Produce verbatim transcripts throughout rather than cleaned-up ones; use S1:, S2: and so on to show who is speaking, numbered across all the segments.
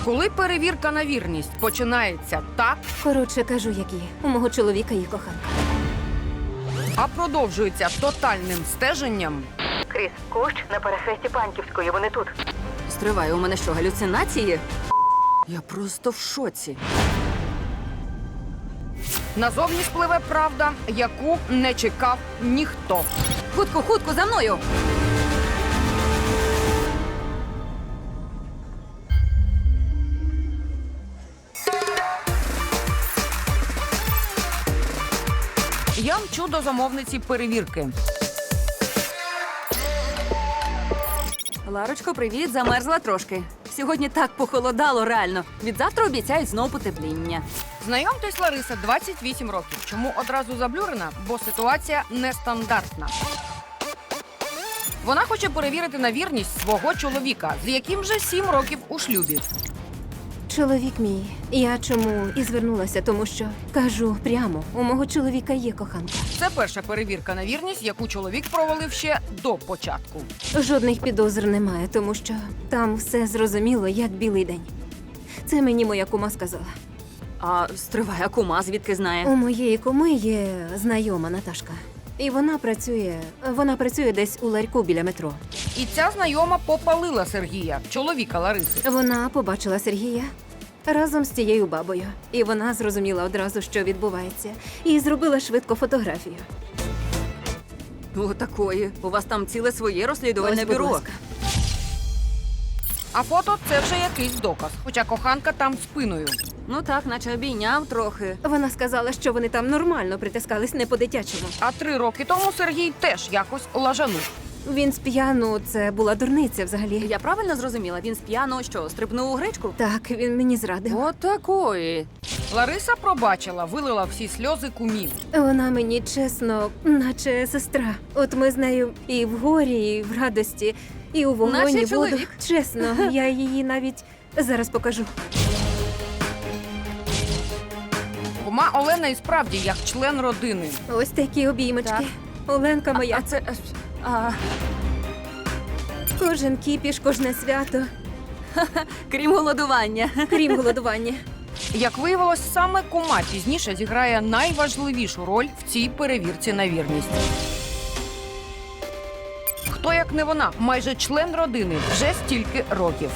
S1: Коли перевірка на вірність починається так,
S2: Коротше, кажу, як є. У мого чоловіка є коханка.
S1: а продовжується тотальним стеженням,
S3: Кріс, кущ на перехресті Панківської, вони тут.
S4: Стривай, у мене що, галюцинації? Я просто в шоці.
S1: назовні спливе правда, яку не чекав ніхто.
S4: Хутко, хутко, за мною!
S1: Я мчу до замовниці перевірки.
S4: Ларочко, привіт, замерзла трошки. Сьогодні так похолодало, реально. Відзавтра обіцяють знов потепління.
S1: Знайомтесь, Лариса, двадцять вісім років. Чому одразу заблюрена? Бо ситуація нестандартна. Вона хоче перевірити на вірність свого чоловіка, з яким вже сім років у шлюбі.
S2: Чоловік мій. Я чому і звернулася, тому що, кажу прямо, у мого чоловіка є коханка.
S1: Це перша перевірка на вірність, яку чоловік провалив ще до початку.
S2: Жодних підозр немає, тому що там все зрозуміло, як білий день. Це мені моя кума сказала.
S4: А стривай, а кума звідки знає?
S2: У моєї куми є знайома Наташка. І вона працює, вона працює десь у ларьку біля метро.
S1: І ця знайома попалила Сергія, чоловіка Лариси.
S2: Вона побачила Сергія разом з тією бабою. І вона зрозуміла одразу, що відбувається. І зробила швидко фотографію.
S4: О, такої. У вас там ціле своє розслідувальне
S2: Ось, будь
S4: бюро.
S2: ласка.
S1: А фото – це вже якийсь доказ, хоча коханка там спиною.
S4: Ну так, наче обійняв трохи.
S2: Вона сказала, що вони там нормально притискались, не по-дитячому.
S1: А три роки тому Сергій теж якось лажанув.
S2: Він сп'яну, це була дурниця взагалі.
S4: Я правильно зрозуміла? Він сп'яно що, стрибнув у гречку?
S2: Так, він мені зрадив.
S4: От такої.
S1: Лариса пробачила, вилила всі сльози кумів.
S2: Вона мені чесно, наче сестра. От ми з нею і в горі, і в радості, і у вогонь,
S4: Наче
S2: і в воду.
S4: чоловік.
S2: Чесно, я її навіть зараз покажу.
S1: Кума Олена і справді як член родини.
S2: Ось такі обіймочки.
S4: Так.
S2: Оленка моя.
S4: А це... А,
S2: Кожен кіпіш, кожне свято,
S4: крім голодування.
S2: крім голодування.
S1: Як виявилось, саме кума пізніше зіграє найважливішу роль в цій перевірці на вірність. Хто, як не вона, майже член родини, вже стільки років.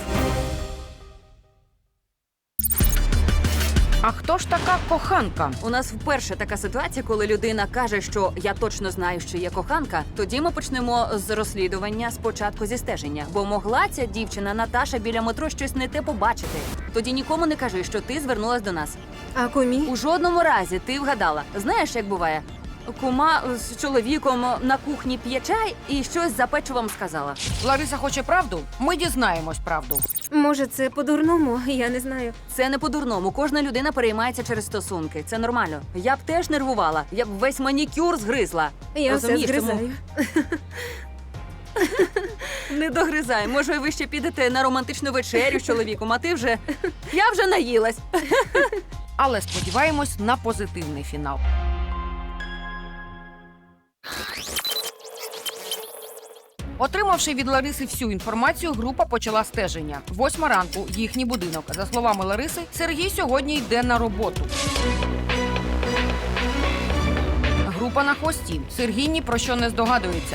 S1: А хто ж така коханка?
S4: У нас вперше така ситуація, коли людина каже, що я точно знаю, що є коханка. Тоді ми почнемо з розслідування спочатку зі стеження. Бо могла ця дівчина Наташа біля метро щось не те побачити. Тоді нікому не кажи, що ти звернулась до нас.
S2: А кумі?
S4: У жодному разі ти вгадала. Знаєш, як буває? Кума з чоловіком на кухні п'є чай і щось за печивом сказала.
S1: Лариса хоче правду? Ми дізнаємось правду.
S2: Може, це по-дурному, я не знаю.
S4: Це не по-дурному. Кожна людина переймається через стосунки. Це нормально. Я б теж нервувала. Я б весь манікюр згризла.
S2: Я все
S4: Розумієш, тому-
S2: згризаю.
S4: Не догризай. Може, ви ще підете на романтичну вечерю з чоловіком, а ти вже... Я вже наїлась.
S1: Але сподіваємось на позитивний фінал. Отримавши від Лариси всю інформацію, група почала стеження. Восьма ранку, їхній будинок. За словами Лариси, Сергій сьогодні йде на роботу. Група на хвості. Сергій ні про що не здогадується.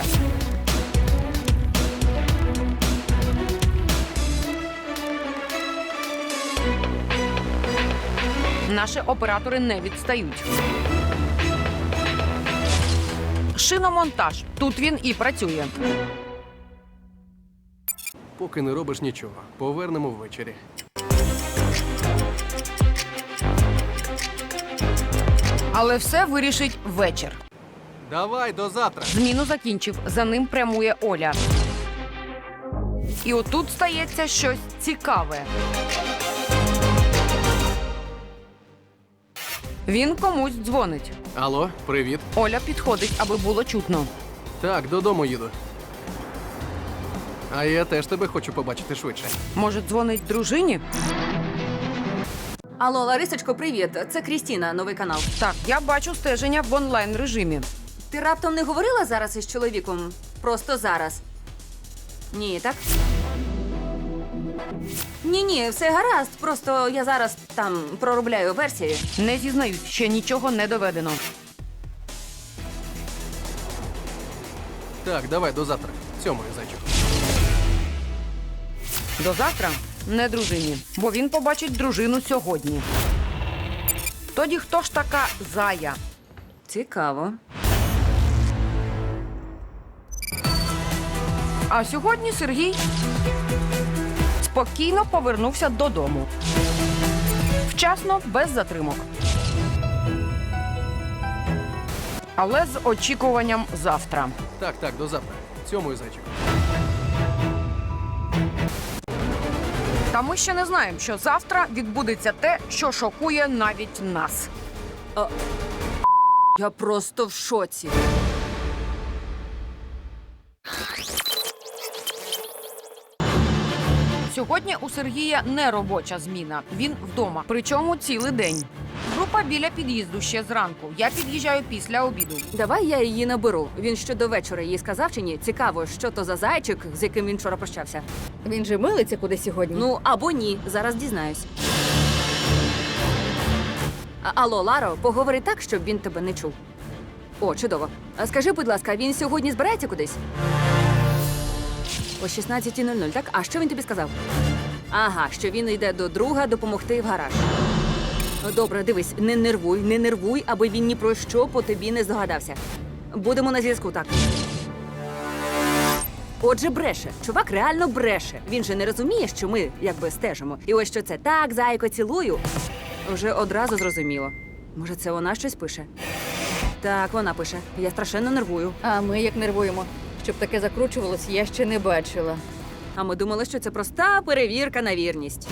S1: Наші оператори не відстають. Шиномонтаж. Тут він і працює.
S5: Поки не робиш нічого. Повернемо ввечері.
S1: Але все вирішить вечір.
S5: Давай, до завтра.
S1: Зміну закінчив. За ним прямує Оля. І отут стається щось цікаве. Він комусь дзвонить.
S5: Алло, привіт.
S1: Оля підходить, аби було чутно.
S5: Так, додому їду. А я теж тебе хочу побачити швидше.
S1: Може, дзвонить дружині?
S4: Алло, Ларисочко, привіт. Це Крістіна, новий канал.
S1: Так, я бачу стеження в онлайн-режимі.
S4: Ти раптом не говорила зараз із чоловіком? Просто зараз. Ні, так? Ні, ні, все гаразд. Просто я зараз там проробляю версію.
S1: Не зізнаюсь, ще нічого не доведено.
S5: Так, давай до завтра. Цьомаю, зайчику.
S1: До завтра не дружині, бо він побачить дружину сьогодні. Тоді хто ж така Зая?
S4: Цікаво.
S1: А сьогодні Сергій спокійно повернувся додому. Вчасно, без затримок. Але з очікуванням завтра.
S5: Так, так, до завтра. Цьомаю, зайчику.
S1: Та ми ще не знаємо, що завтра відбудеться те, що шокує навіть нас.
S4: Я просто в шоці.
S1: Сьогодні у Сергія не робоча зміна. Він вдома. Причому цілий день. Група біля під'їзду ще зранку. Я під'їжджаю після обіду.
S4: Давай я її наберу. Він ще до вечора їй сказав чи ні? Цікаво, що то за зайчик, з яким він вчора прощався.
S6: Він же милиться куди сьогодні.
S4: Ну, або ні. Зараз дізнаюсь. А- Алло, Ларо, поговори так, щоб він тебе не чув. О, чудово. А скажи, будь ласка, він сьогодні збирається кудись? О шістнадцятій нуль нуль, так? А що він тобі сказав? Ага, що він йде до друга допомогти в гараж. Добре, дивись, не нервуй, не нервуй, аби він ні про що по тобі не здогадався. Будемо на зв'язку, так. Отже, бреше. Чувак реально бреше. Він же не розуміє, що ми якби стежимо. І ось що це так, зайко, цілую. Вже одразу зрозуміло. Може, це вона щось пише? Так, вона пише. Я страшенно нервую.
S6: А ми як нервуємо. Щоб таке закручувалось, я ще не бачила.
S4: А ми думали, що це проста перевірка на вірність.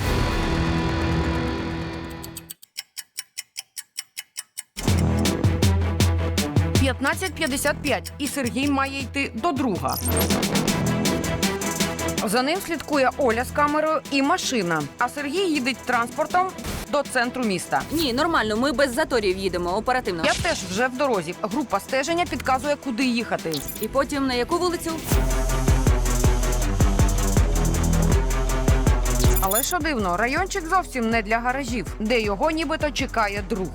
S1: п'ятнадцять п'ятдесят п'ять, і Сергій має йти до друга. За ним слідкує Оля з камерою і машина. А Сергій їде транспортом до центру міста.
S4: Ні, нормально, ми без заторів їдемо, оперативно.
S1: Я теж вже в дорозі. Група стеження підказує, куди їхати.
S4: І потім на яку вулицю?
S1: Але що дивно, райончик зовсім не для гаражів, де його нібито чекає друг.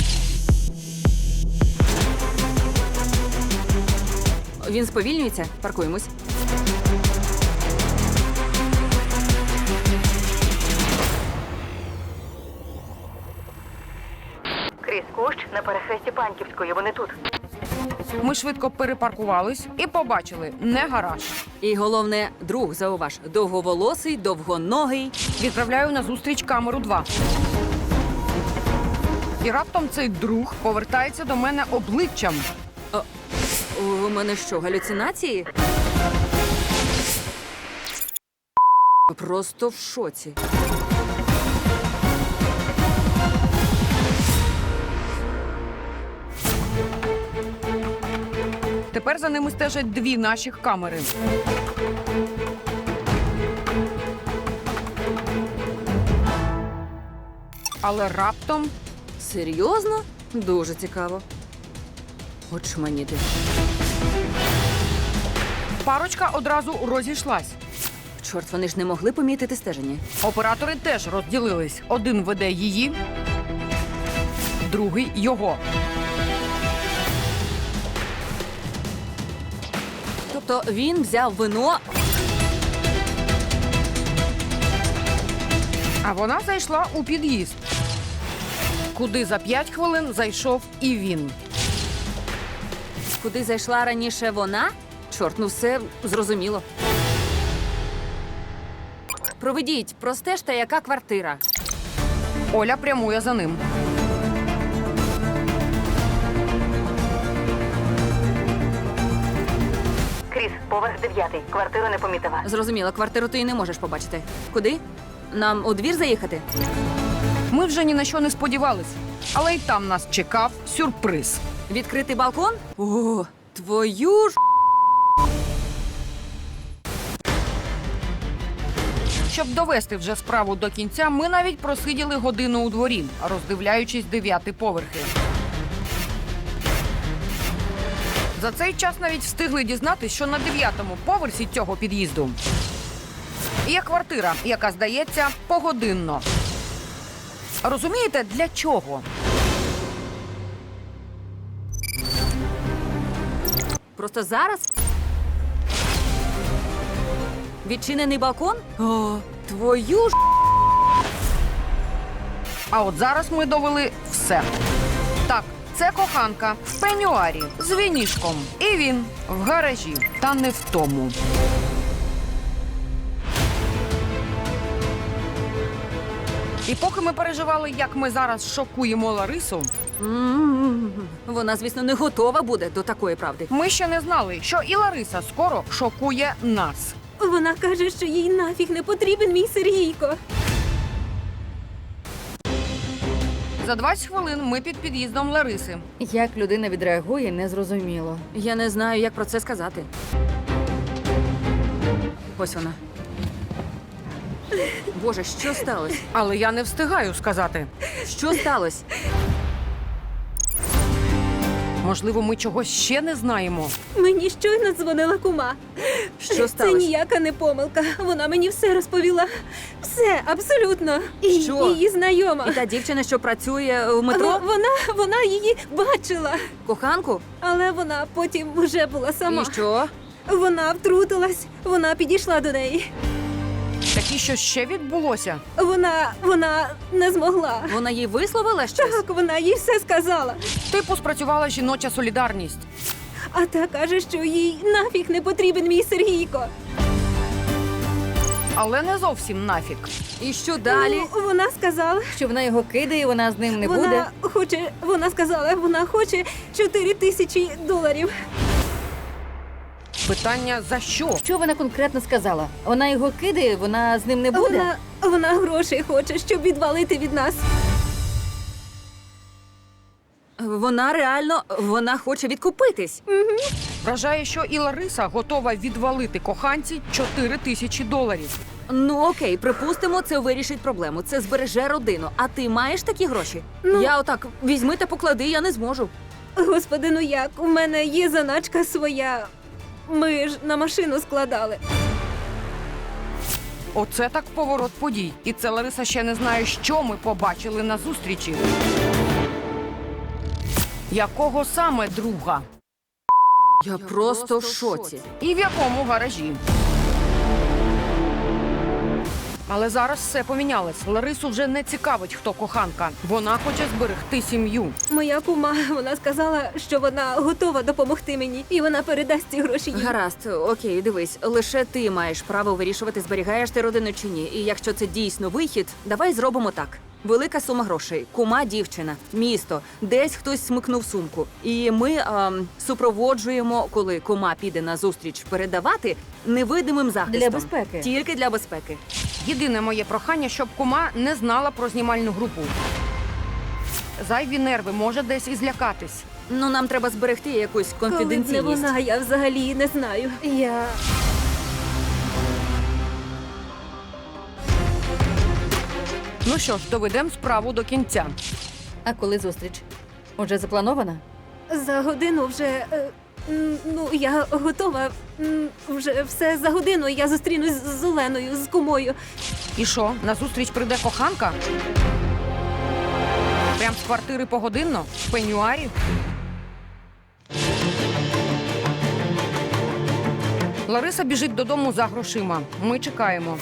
S4: Він сповільнюється, паркуємось.
S3: Кріс, кущ на перехресті Панківської, вони тут.
S1: Ми швидко перепаркувались і побачили не гараж.
S4: І головне, друг, зауваж, довговолосий, довгоногий.
S1: Відправляю на зустріч камеру два. І раптом цей друг повертається до мене обличчям.
S4: У мене що, галюцинації? Просто в шоці.
S1: Тепер за ними стежать дві наших камери. Але раптом
S4: Серйозно? Дуже цікаво. Очманіти.
S1: парочка одразу розійшлась.
S4: Чорт, вони ж не могли помітити стеження.
S1: Оператори теж розділились. Один веде її, другий його.
S4: Тобто він взяв вино.
S1: А вона зайшла у під'їзд, куди за п'ять хвилин зайшов і він.
S4: Куди зайшла раніше вона? Чорт, ну все зрозуміло. Проведіть, простежте, яка квартира.
S1: Оля прямує за ним.
S3: Кріс, поверх дев'ятий, квартиру не помітила.
S4: Зрозуміло, квартиру ти і не можеш побачити. Куди? Нам у двір заїхати?
S1: Ми вже ні на що не сподівались, але й там нас чекав сюрприз.
S4: Відкритий балкон? О, твою ж.
S1: Щоб довести вже справу до кінця, ми навіть просиділи годину у дворі, роздивляючись дев'яти поверхи. За цей час навіть встигли дізнатись, що на дев'ятому поверсі цього під'їзду Є квартира, яка здається погодинно. Розумієте, для чого?
S4: Просто зараз? Відчинений балкон? О, твою ж.
S1: А от зараз ми довели все. Так, це коханка в пенюарі з вінішком. І він в гаражі, та не в тому. І поки ми переживали, як ми зараз шокуємо Ларису,
S4: М-м-м. Вона, звісно, не готова буде до такої правди.
S1: ми ще не знали, що і Лариса скоро шокує нас.
S2: Вона каже, що їй нафіг не потрібен мій Сергійко.
S1: За двадцять хвилин ми під під'їздом Лариси.
S6: Як людина відреагує, незрозуміло.
S4: Я не знаю, як про це сказати. Ось вона. Боже, що сталося?
S1: Але я не встигаю сказати.
S4: Що сталося?
S1: Можливо, ми чогось ще не знаємо.
S2: Мені щойно дзвонила кума.
S4: Що
S2: Це
S4: сталося?
S2: ніяка не помилка. Вона мені все розповіла. Все, абсолютно. І
S4: Що?
S2: її знайома.
S4: І та дівчина, що працює в метро,
S2: В- Вона, вона її бачила.
S4: коханку?
S2: Але вона потім вже була сама.
S4: І що?
S2: Вона втрутилась, вона підійшла до неї.
S1: Так і що ще відбулося?
S2: Вона, вона не змогла.
S4: Вона їй висловила щось?
S2: Так, вона їй все сказала.
S1: Типу спрацювала жіноча солідарність.
S2: А та каже, що їй нафіг не потрібен мій Сергійко.
S1: Але не зовсім нафіг.
S4: І що далі?
S2: Ну, вона сказала,
S6: Що вона його кидає, вона з ним не
S2: вона
S6: буде.
S2: хоче, вона сказала, вона хоче чотири тисячі доларів.
S1: Питання за що?
S6: Що вона конкретно сказала? Вона його кидає, вона з ним не буде?
S2: Вона, вона грошей хоче, щоб відвалити від нас.
S4: Вона реально, вона хоче відкупитись.
S1: Вражає, що і Лариса готова відвалити коханці чотири тисячі доларів.
S4: Ну окей, припустимо, це вирішить проблему. Це збереже родину. А ти маєш такі гроші?
S2: Ну.
S4: Я отак візьми та поклади, я не зможу.
S2: Господи, ну як? У мене є заначка своя. Ми ж на машину складали.
S1: Оце так поворот подій. І це Лариса ще не знає, що ми побачили на зустрічі. Якого саме друга?
S4: Я просто в шоці.
S1: І в якому гаражі? Але зараз все помінялось. Ларису вже не цікавить, хто коханка. Вона хоче зберегти сім'ю.
S2: Моя кума, вона сказала, що вона готова допомогти мені, і вона передасть ці гроші їй.
S4: Гаразд, окей, дивись, лише ти маєш право вирішувати, зберігаєш ти родину чи ні. І якщо це дійсно вихід, давай зробимо так. Велика сума грошей, кума дівчина, місто, десь хтось смикнув сумку. І ми ем, супроводжуємо, коли кума піде на зустріч передавати невидимим захистом.
S6: Для безпеки.
S4: Тільки для безпеки.
S1: Єдине моє прохання, щоб кума не знала про знімальну групу. Зайві нерви, може десь і злякатись.
S4: Ну, нам треба зберегти якусь
S2: Коли б не
S4: конфіденційність.
S2: вона, я взагалі не знаю. Я...
S1: Ну що ж, доведемо справу до кінця.
S6: А коли зустріч? Уже запланована?
S2: За годину вже. е, м, Ну, я готова. М, Вже все за годину. Я зустрінусь з Оленою, з кумою.
S1: І що, на зустріч прийде коханка? Прям з квартири погодинно? В пенюарі? Лариса біжить додому за грошима. Ми чекаємо.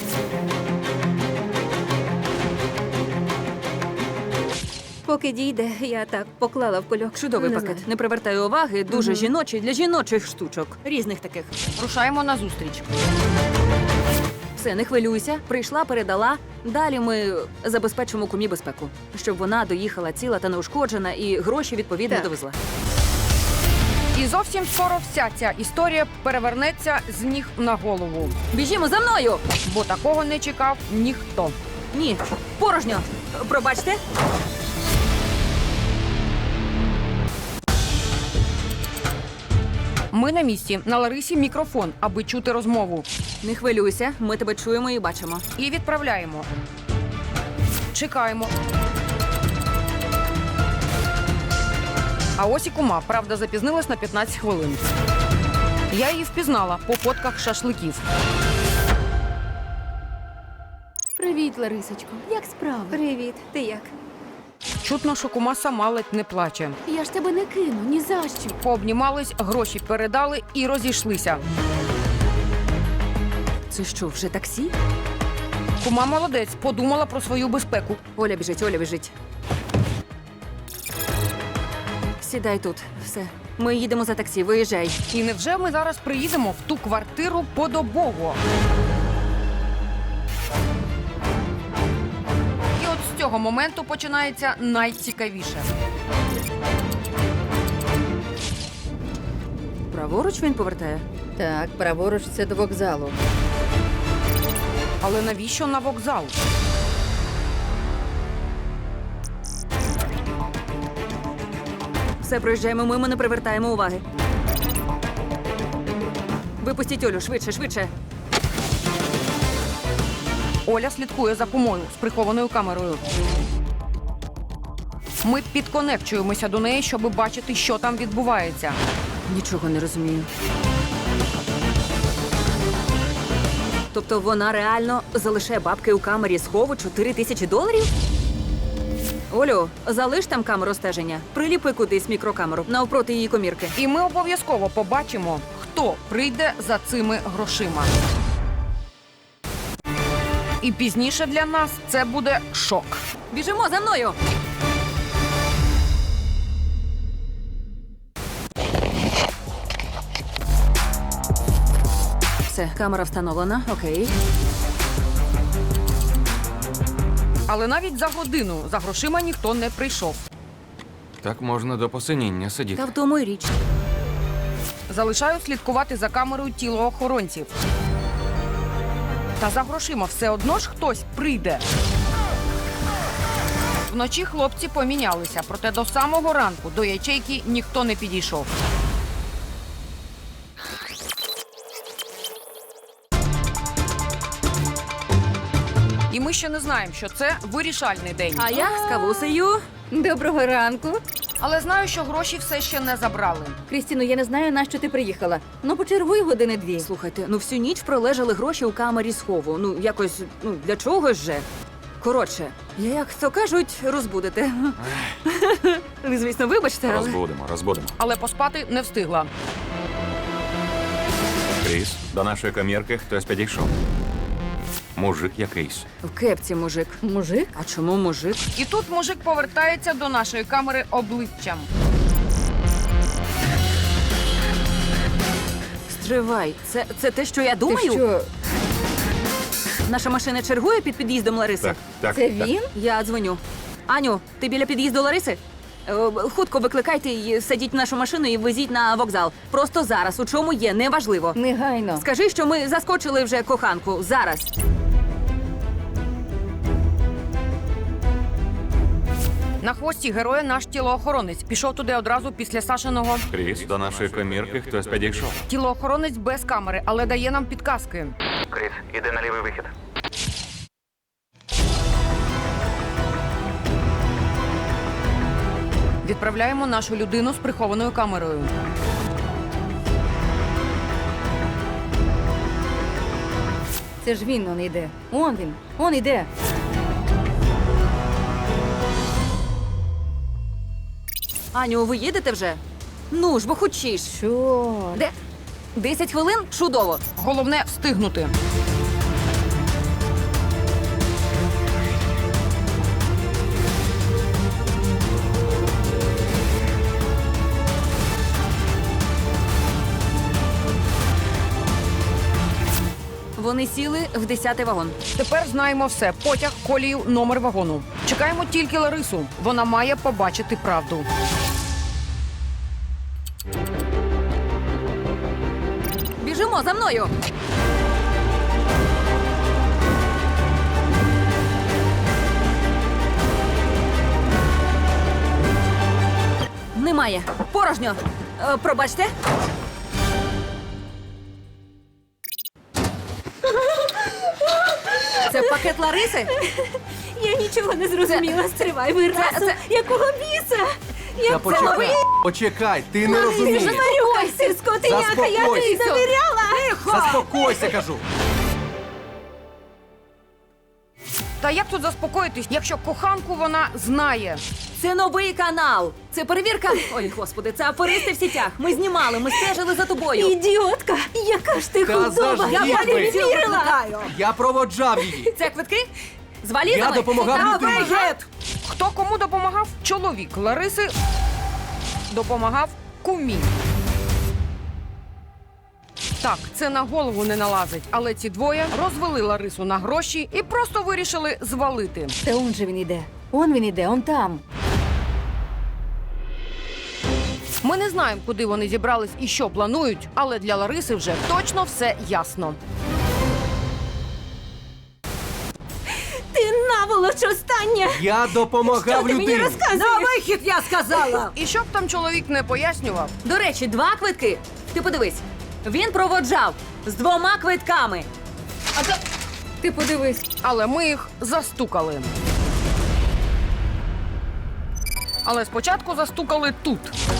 S2: Поки дійде, я так поклала в кульок.
S4: Чудовий
S2: Не
S4: пакет.
S2: знаю.
S4: Не привертає уваги, дуже жіночий для жіночих штучок. Різних таких.
S1: Рушаємо на зустріч.
S4: Все, не хвилюйся. Прийшла, передала. Далі ми забезпечимо кумі безпеку, щоб вона доїхала ціла та неушкоджена і гроші відповідно
S2: Так.
S4: довезла.
S1: І зовсім скоро вся ця історія перевернеться з ніг на голову.
S4: Біжімо за мною!
S1: Бо такого не чекав ніхто.
S4: Ні, порожньо. Пробачте.
S1: Ми на місці. На Ларисі мікрофон, аби чути розмову.
S4: Не хвилюйся, ми тебе чуємо і бачимо.
S1: І відправляємо. Чекаємо. А ось і кума. Правда, запізнилась на п'ятнадцять хвилин. Я її впізнала по фотках шашликів.
S7: Привіт, Ларисочко. Як справи?
S2: Привіт, ти як?
S1: Чутно, що кума сама ледь не плаче.
S7: Я ж тебе не кину, ні за що.
S1: Пообнімались, гроші передали і розійшлися.
S4: Це що, вже таксі?
S1: Кума молодець, подумала про свою безпеку.
S4: Оля біжить, Оля біжить. Сідай тут, все. Ми їдемо за таксі, виїжджай.
S1: І невже ми зараз приїдемо в ту квартиру подобово? І от з цього моменту починається найцікавіше.
S4: Праворуч він повертає?
S6: Так, праворуч це до вокзалу.
S1: Але навіщо на вокзал?
S4: Все, проїжджаємо мимо, не привертаємо уваги. Випустіть Олю, швидше, швидше.
S1: Оля слідкує за кумою з прихованою камерою. Ми підконекчуємося до неї, щоб бачити, що там відбувається.
S4: Нічого не розумію. Тобто вона реально залишає бабки у камері схову чотири тисячі доларів? Олю, залиш там камеру стеження. Приліпи кудись мікрокамеру навпроти її комірки.
S1: І ми обов'язково побачимо, хто прийде за цими грошима. І пізніше для нас це буде шок.
S4: Біжимо за мною! Все, камера встановлена, окей.
S1: Але навіть за годину за грошима ніхто не прийшов.
S8: Так можна до посиніння сидіти.
S4: Та в тому й річ.
S1: Залишаю слідкувати за камерою тілоохоронців. Та за грошима все одно ж хтось прийде. Вночі хлопці помінялися, проте до самого ранку до ячейки ніхто не підійшов. І ми ще не знаємо, що це вирішальний день.
S4: А я з кавусею.
S6: Доброго ранку.
S1: Але знаю, що гроші все ще не забрали.
S6: Крістіно, я не знаю, на що ти приїхала. Ну, почергуй години дві.
S4: Слухайте, ну всю ніч пролежали гроші у камері схову. Ну, якось, ну, для чогось же. Коротше, як то кажуть, розбудете. Ви, звісно, вибачте, але...
S8: Розбудемо, розбудемо.
S1: Але поспати не встигла.
S8: Кріс, до нашої комірки хтось підійшов. Мужик якийсь.
S4: В кепці мужик.
S6: Мужик?
S4: А чому мужик?
S1: І тут мужик повертається до нашої камери обличчям.
S4: Стривай, це, це те, що я думаю?
S6: Ти що,
S4: Наша машина чергує під під'їздом Лариси?
S8: Так, так.
S6: це
S8: так.
S6: він?
S4: Я дзвоню. Аню, ти біля під'їзду Лариси? Е, Хутко викликайте її, садіть в нашу машину і везіть на вокзал. Просто зараз, у чому є, неважливо.
S6: Негайно.
S4: Скажи, що ми заскочили вже коханку. Зараз.
S1: На хвості героя наш тілоохоронець. Пішов туди одразу після Сашиного.
S8: Кріс, до нашої комірки хтось підійшов.
S1: Тілоохоронець без камери, але дає нам підказки.
S9: Кріс, іди на лівий вихід.
S1: Відправляємо нашу людину з прихованою камерою.
S6: Це ж він, он йде. Он він, он йде.
S4: Аню, ви їдете вже? Ну ж, бо хочеш.
S6: Що?
S4: Де? Десять хвилин? Чудово.
S1: Головне встигнути.
S4: Вони сіли в десятий вагон.
S1: Тепер знаємо все. Потяг, колію, номер вагону. Чекаємо тільки Ларису. Вона має побачити правду.
S4: Біжимо за мною. Немає. Порожньо. Е, пробачте. Це пакет Лариси?
S2: Я нічого не зрозуміла. Стривай, ви разом.
S4: це-
S2: Якого біса?
S5: Та
S2: Як це
S5: почекай,
S2: новий?
S5: почекай, ти не розумієш.
S2: Заспокойся, скотиняка, я тобі
S5: Заспокойся.
S2: довіряла.
S5: Заспокойся, кажу.
S1: Та як тут заспокоїтись, якщо коханку вона знає?
S4: Це новий канал. Це перевірка. Ой, господи, це аферисти в сітях. Ми знімали, ми стежили за тобою.
S2: Ідіотка! Яка ж ти
S5: Та
S2: худоба!
S5: заждіть
S2: Я
S5: ви!
S2: не вірила!
S5: Я проводжав її.
S4: Це квитки? З валізами?
S5: Я допомагав людині.
S1: Хто кому допомагав? Чоловік Лариси допомагав кумі. Так, це на голову не налазить, але ці двоє розвели Ларису на гроші і просто вирішили звалити.
S6: Та он же він іде. Он він іде, он там.
S1: Ми не знаємо, куди вони зібрались і що планують, але для Лариси вже точно все ясно.
S2: Ти наволоч остання!
S5: Я допомагав
S2: Ти мені
S5: людині.
S2: розказуєш?
S4: вихід, я сказала!
S1: І що б там чоловік не пояснював,
S4: До речі, два квитки. Ти подивись. Він проводжав з двома квитками.
S6: Ти подивись.
S1: але ми їх застукали. Але спочатку застукали тут.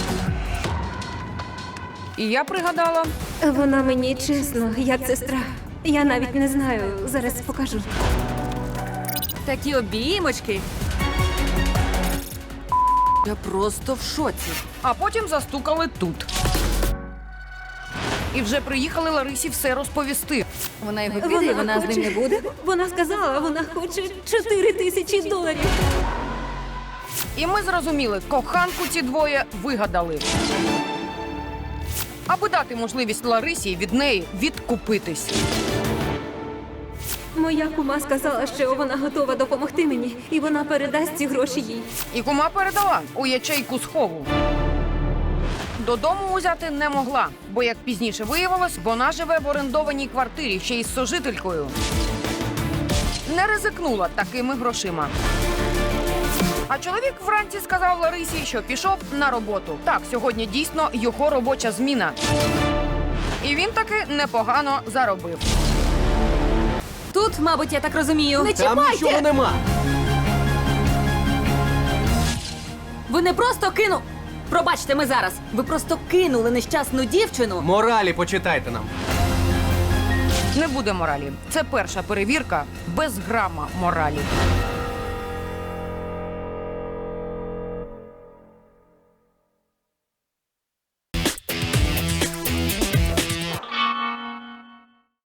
S1: І я пригадала,
S2: Вона мені чесно, як сестра. Я навіть не знаю, зараз покажу.
S4: Такі обіймочки. Я просто в шоці.
S1: а потім застукали тут. І вже приїхали Ларисі все розповісти.
S6: Вона його піде, вона з ним не буде.
S2: Вона сказала, вона хоче чотири тисячі доларів.
S1: І ми зрозуміли, коханку ці двоє вигадали. Аби дати можливість Ларисі від неї відкупитись.
S2: Моя кума сказала, що вона готова допомогти мені, і вона передасть ці гроші їй.
S1: І кума передала у ячейку схову. Додому узяти не могла, бо, як пізніше виявилось, вона живе в орендованій квартирі ще й з сожителькою. Не ризикнула такими грошима. А чоловік вранці сказав Ларисі, що пішов на роботу. Так, сьогодні дійсно його робоча зміна. І він таки непогано заробив.
S4: Тут, мабуть, я так розумію.
S5: Там нічого нема.
S4: Ви не просто кину. Пробачте, ми зараз. Ви просто кинули нещасну дівчину.
S5: Моралі почитайте нам.
S1: Не буде моралі. Це перша перевірка без грама моралі.